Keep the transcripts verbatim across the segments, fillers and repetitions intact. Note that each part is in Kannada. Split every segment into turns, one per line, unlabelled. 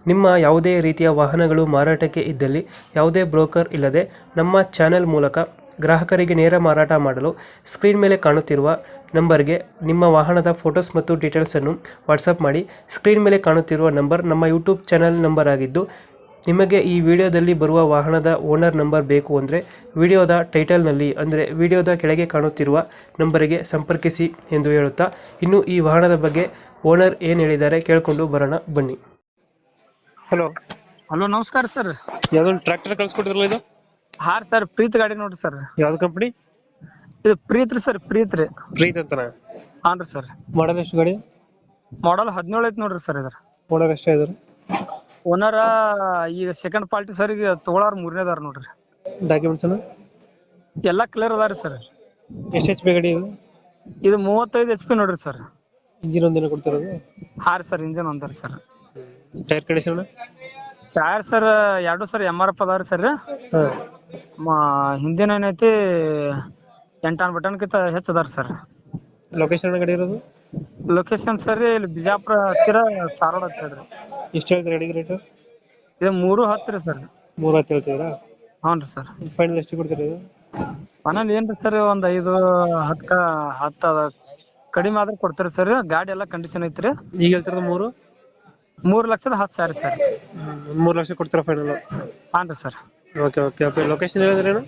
ನಿಮ್ಮ ಯಾವುದೇ ರೀತಿಯ ವಾಹನಗಳು ಮಾರಾಟಕ್ಕೆ ಇದ್ದಲ್ಲಿ ಯಾವುದೇ ಬ್ರೋಕರ್ ಇಲ್ಲದೆ ನಮ್ಮ ಚಾನೆಲ್ ಮೂಲಕ ಗ್ರಾಹಕರಿಗೆ ನೇರ ಮಾರಾಟ ಮಾಡಲು ಸ್ಕ್ರೀನ್ ಮೇಲೆ ಕಾಣುತ್ತಿರುವ ನಂಬರ್ಗೆ ನಿಮ್ಮ ವಾಹನದ ಫೋಟೋಸ್ ಮತ್ತು ಡೀಟೇಲ್ಸನ್ನು ವಾಟ್ಸಪ್ ಮಾಡಿ. ಸ್ಕ್ರೀನ್ ಮೇಲೆ ಕಾಣುತ್ತಿರುವ ನಂಬರ್ ನಮ್ಮ ಯೂಟ್ಯೂಬ್ ಚಾನೆಲ್ ನಂಬರ್ ಆಗಿದ್ದು, ನಿಮಗೆ ಈ ವಿಡಿಯೋದಲ್ಲಿ ಬರುವ ವಾಹನದ ಓನರ್ ನಂಬರ್ ಬೇಕು ಅಂದರೆ ವಿಡಿಯೋದ ಟೈಟಲ್ನಲ್ಲಿ ಅಂದರೆ ವಿಡಿಯೋದ ಕೆಳಗೆ ಕಾಣುತ್ತಿರುವ ನಂಬರಿಗೆ ಸಂಪರ್ಕಿಸಿ ಎಂದು ಹೇಳುತ್ತಾ, ಇನ್ನು ಈ ವಾಹನದ ಬಗ್ಗೆ ಓನರ್ ಏನು ಹೇಳಿದ್ದಾರೆ ಕೇಳಿಕೊಂಡು ಬರೋಣ ಬನ್ನಿ. ಹಲೋ
ಹಲೋ, ನಮಸ್ಕಾರ ಸರ್.
ಯಾವ್ದೊಂದು ಟ್ರ್ಯಾಕ್ಟರ್ ಕಳ್ಸಿಕೊಟ್ಟಿದ್ರಲ್ಲ ಇದು?
ಹಾ ಸರ್, ಪ್ರೀತ್ ಗಾಡಿ ನೋಡ್ರಿ ಸರ್.
ಯಾವ್ದು ಕಂಪನಿ?
ಇದು ಪ್ರೀತ್ ರೀ ಸರ್, ಪ್ರೀತ್ ರೀ.
ಪ್ರೀತ್ ಅಂತನಾ?
ಹಾನ್ರಿ ಸರ್.
ಮಾಡಲ್ ಎಷ್ಟು ಗಾಡಿ?
ಮಾಡಲ್ ಹದಿನೇಳು ಐತಿ ನೋಡ್ರಿ ಸರ್. ಇದ್ರ
ಓನರ್ ಎಷ್ಟೇ ಇದಾರೆ?
ಓನರ್ ಈಗ ಸೆಕೆಂಡ್ ಪಾರ್ಟಿ ಸರ್, ಈಗ ತಗೊಳಾರ ಮೂರನೇದಾರ ನೋಡ್ರಿ.
ಡಾಕ್ಯುಮೆಂಟ್ಸ್
ಎಲ್ಲಾ ಕ್ಲಿಯರ್ ಅದಾರಿ ಸರ್.
ಎಷ್ಟು ಎಚ್ ಪಿ ಗಾಡಿ ಇದು?
ಇದು ಮೂವತ್ತೈದು ಎಚ್ ಪಿ ನೋಡ್ರಿ ಸರ್.
ಇಂಜಿನ್ ಒಂದಿನ ಕೊಡ್ತಿರೋದು?
ಹಾ ರೀ ಸರ್, ಇಂಜನ್ ಒಂದರಿ sir.
Tyre condition?
Tyre sir ಎರಡು ಸರ್ ಎಮ್ ಆರ್ ಎಫ್ ಅದಾವ್ರಿ ಸರ್.
ಹಾಂ.
ಹಿಂದಿನ ಏನೈತಿ ಎಂಟಾನ್ ಬಟನ್ ಕಿಂತ ಹೆಚ್ಚು ಅದಾರ ಸರ್.
ಲೊಕೇಶನ್ ಗಾಡಿ ಇರೋದು?
ಲೊಕೇಶನ್ ಸರ್ ಇಲ್ಲಿ ಬಿಜಾಪುರ ಹತ್ತಿರ ಸಾರೋಡ್ ಅಂತ ಹೇಳ್ರಿ.
ಎಷ್ಟು ಹೇಳ್ತೀರಿ ಗಾಡಿಗೆ ರೇಟು?
ಇದು ಮೂರು ಹತ್ತು ರೀ ಸರ್.
ಮೂರು ಹತ್ತು ಹೇಳ್ತೀರಾ?
ಹ್ಞೂ ರೀ ಸರ್.
ಫೈನಲ್ ಎಷ್ಟು ಕೊಡ್ತೀರಿ ಇದು?
ಮನೇಲಿ ಏನ್ರಿ ಸರ್, ಒಂದ್ ಐದು ಹತ್ತ ಹತ್ತ ಕಡಿಮೆ ಆದ್ರೆ ಕೊಡ್ತೀರಿ ಸರ್. ಗಾಡಿ ಎಲ್ಲಾ ಕಂಡೀಷನ್ ಐತ್ರಿ.
ಈಗ ಹೇಳ್ತಿರೋದು ಮೂರು
ಮೂರ್ ಲಕ್ಷದ ಹತ್ತು ಸಾವಿರ ಸರ್.
ಒಂದು ಮೂರು ಲಕ್ಷ ಕೊಡ್ತೀರಾ ಫೈನಲ್?
ಹಾನ್ ರೀ sir.
Okay okay okay location ಹೇಳಿದ್ರೇನು?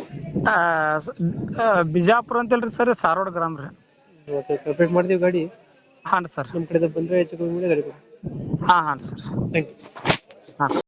ಬಿಜಾಪುರ ಅಂತಲ್ರಿ ಸರ್, ಸಾರೋಡ್ ಗ್ರಾಮ ರೀ.
ಓಕೆ ಕಂಪ್ಲೀಟ್ ಮಾಡ್ತೀವಿ ಗಾಡಿ.
ಹಾನ್ ಸರ್.
ನಮ್ಮ ಕಡೆಯಿಂದ ಬಂದರೆ ಹೆಚ್ಚು ಕಮ್ಮಿ ಮಾಡಿ ಗಾಡಿ ಕೊಡಿ.
ಹಾ ಹಾನ್ ಸರ್.
Thank you.
ಹಾಂ.